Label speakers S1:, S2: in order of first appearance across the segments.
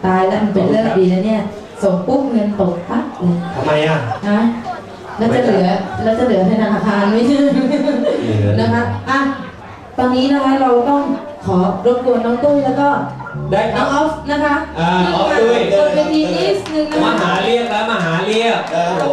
S1: ตายแล้วมันเป็นเลิกดีนะเนี่ยส่งปุ๊บเงินตกปั๊บเลย
S2: ทำไมอ่ะ
S1: นะแล้วจะเหลือในธนาคารไม่ใช่นะคะอ่ะตอนนี้นะคะเราต้องขอรบกวนน้องตุ้ยแล้วก็
S2: ได้ค
S1: น้
S2: รั
S1: อบ งออฟนะคะ
S2: ออฟตุ้ย
S1: บนเวทีนิดนึงนะ
S2: มาหาเรียกแล้วมาหาเรียก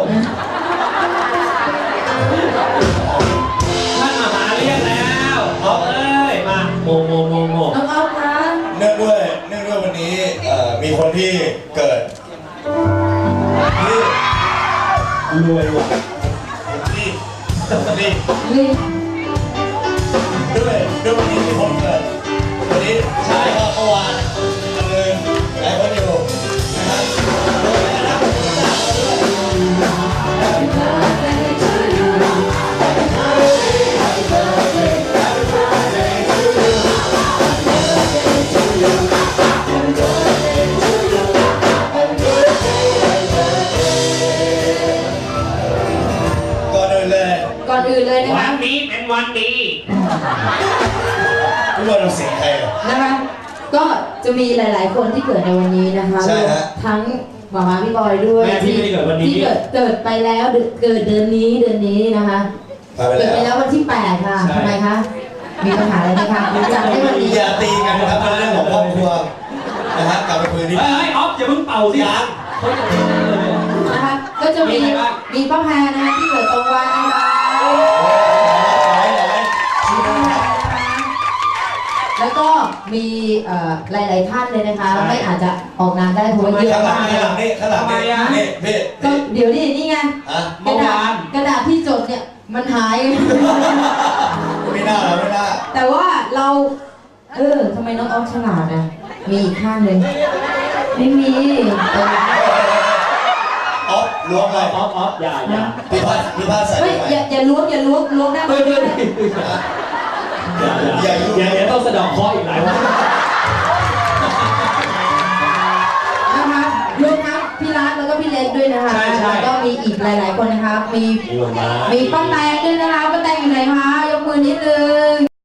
S2: ท่านมาหาเรียกแล้วออฟเอ้ยมาโม
S1: น้องออฟคะ
S3: เนื่องด้วยวันนี้มีคนที่เกิดที่
S2: รวยว่ะ
S3: นี่
S1: ลิง
S3: ด้วยวันนี้มีคนเกิดวันนี้ใช่ก็เมื่อวานเลยหลายคนอยู่นะครับด้วยนะครับ
S1: ก่อนอื่นเลยนะคะ
S2: วันนี้เป็นวันดี
S3: ทุกคนเราเสียงใครอ่ะ
S1: นะคะก็จะมีหลายๆคนที่เกิดในวันนี้นะคะ
S3: ใช่ฮะ
S1: ทั้งหมาพี่บอยด้วย
S2: แม่ที่ไม่ได้เกิดวันนี้
S1: ที่เกิดไปแล้วเกิดเดือนนี้นะคะเกิดไปแล้ววันที่8ค่ะทำไมคะมีปัญหาอะไรไหมคะจัดให้วันนี้
S3: อย่าตีกันนะครับเป็นเรื่องของครอบครัวนะฮะกลับไปคุยที่
S2: เฮ้ยออฟอย่าเพิ่งเป่าสิครับ
S1: นะคะก็จะมีป้าแพรนะคะที่เกิดตรงวันนะคะแล้วก็มีหลายๆท่านเลยนะคะไม่อาจจะออกงานได้เพราะว่าเยอะมากเลย
S3: ข้างหลังนี่พี่
S1: ก็เดี๋ยวนี่ไงกระดาษที่จดเนี่ยมันหาย
S3: ไม่น่า
S1: แต่ว่าเราทำไมน้องออฟฉลาดอ่ะมีอีกข้างหนึ่งไม่มี
S3: ออฟล้วงเลย
S2: ออฟอย่า
S3: พี่พาใส่
S1: เฮ้ยอย่าล้วงได้ไหม
S2: อย่าต้องสะดอกคออีกหลายวัน
S1: นะคะรวมทั้งพี่รัฐแล้วก็พี่เล็กด้วยนะคะแล้วก็มีอีกหลายๆคนนะคะมีป้าแตงด้วยนะคะป้าแตงอยู่ไหนคะยกมือนิดนึง